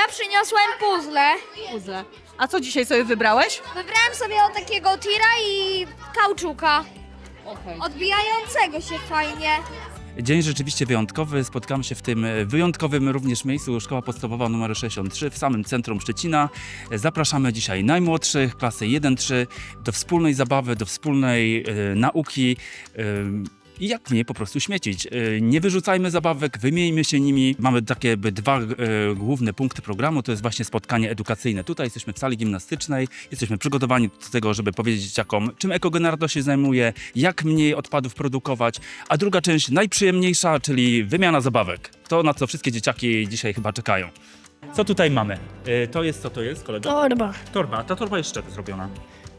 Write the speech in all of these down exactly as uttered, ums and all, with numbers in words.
przyniosłem puzzle. Puzzle. A co dzisiaj sobie wybrałeś? Wybrałem sobie o takiego tira i kauczuka. Okej. Odbijającego się fajnie. Dzień rzeczywiście wyjątkowy. Spotkamy się w tym wyjątkowym również miejscu Szkoła Podstawowa nr sześćdziesiąt trzy w samym centrum Szczecina. Zapraszamy dzisiaj najmłodszych, klasy jeden trzy, do wspólnej zabawy, do wspólnej e, nauki. E, I jak nie po prostu śmiecić. E, Nie wyrzucajmy zabawek, wymieńmy się nimi. Mamy takie jakby dwa e, główne punkty programu, to jest właśnie spotkanie edukacyjne. Tutaj jesteśmy w sali gimnastycznej, jesteśmy przygotowani do tego, żeby powiedzieć dzieciakom, czym ekogenerator się zajmuje, jak mniej odpadów produkować, a druga część najprzyjemniejsza, czyli wymiana zabawek. To, na co wszystkie dzieciaki dzisiaj chyba czekają. Co tutaj mamy? E, To jest, co to jest, kolego? Torba Torba. Ta torba jest z czego zrobiona?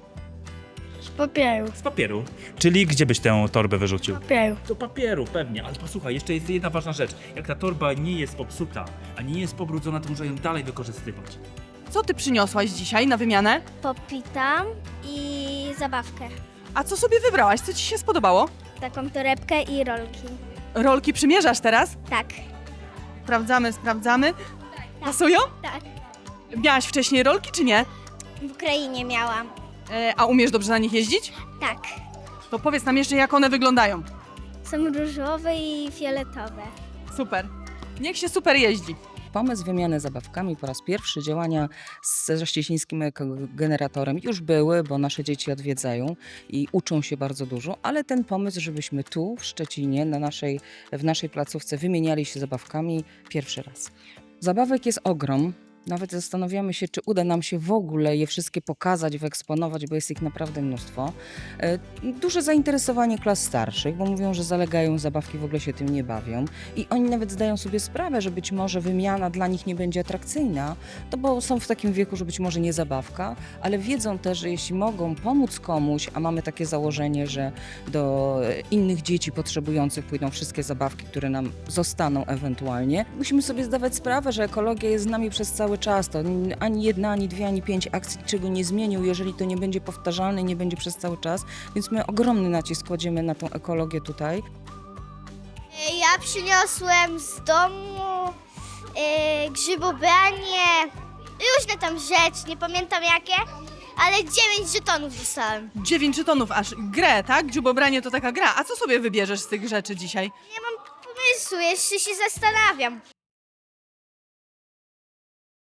z papieru, Z papieru. Czyli gdzie byś tę torbę wyrzucił? papieru. Do papieru, pewnie, ale posłuchaj, jeszcze jest jedna ważna rzecz. Jak ta torba nie jest popsuta, a nie jest pobrudzona, to można ją dalej wykorzystywać. Co ty przyniosłaś dzisiaj na wymianę? Popitam i zabawkę. A co sobie wybrałaś? Co ci się spodobało? Taką torebkę i rolki. Rolki przymierzasz teraz? Tak, Sprawdzamy, sprawdzamy. Pasują? tak. Miałaś wcześniej rolki czy nie? W Ukrainie miałam. E, a umiesz dobrze na nich jeździć? Tak. To powiedz nam jeszcze, jak one wyglądają. Są różowe i fioletowe. Super. Niech się super jeździ. Pomysł wymiany zabawkami po raz pierwszy, działania ze szczecińskim generatorem już były, bo nasze dzieci odwiedzają i uczą się bardzo dużo, ale ten pomysł, żebyśmy tu w Szczecinie, na naszej, w naszej placówce wymieniali się zabawkami pierwszy raz. Zabawek jest ogrom. Nawet zastanawiamy się, czy uda nam się w ogóle je wszystkie pokazać, wyeksponować, bo jest ich naprawdę mnóstwo. E, Duże zainteresowanie klas starszych, bo mówią, że zalegają zabawki, w ogóle się tym nie bawią. I oni nawet zdają sobie sprawę, że być może wymiana dla nich nie będzie atrakcyjna, to bo są w takim wieku, że być może nie zabawka, ale wiedzą też, że jeśli mogą pomóc komuś, a mamy takie założenie, że do innych dzieci potrzebujących pójdą wszystkie zabawki, które nam zostaną ewentualnie, musimy sobie zdawać sprawę, że ekologia jest z nami przez cały czas. To ani jedna, ani dwie, ani pięć akcji niczego nie zmienią, jeżeli to nie będzie powtarzalne i nie będzie przez cały czas. Więc my ogromny nacisk kładziemy na tą ekologię tutaj. Ja przyniosłem z domu yy, grzybobranie, różne tam rzeczy, nie pamiętam jakie, ale dziewięć żetonów dostałem. Dziewięć żetonów aż. Grę, tak? Dziubobranie to taka gra. A co sobie wybierzesz z tych rzeczy dzisiaj? Nie mam pomysłu, jeszcze się zastanawiam.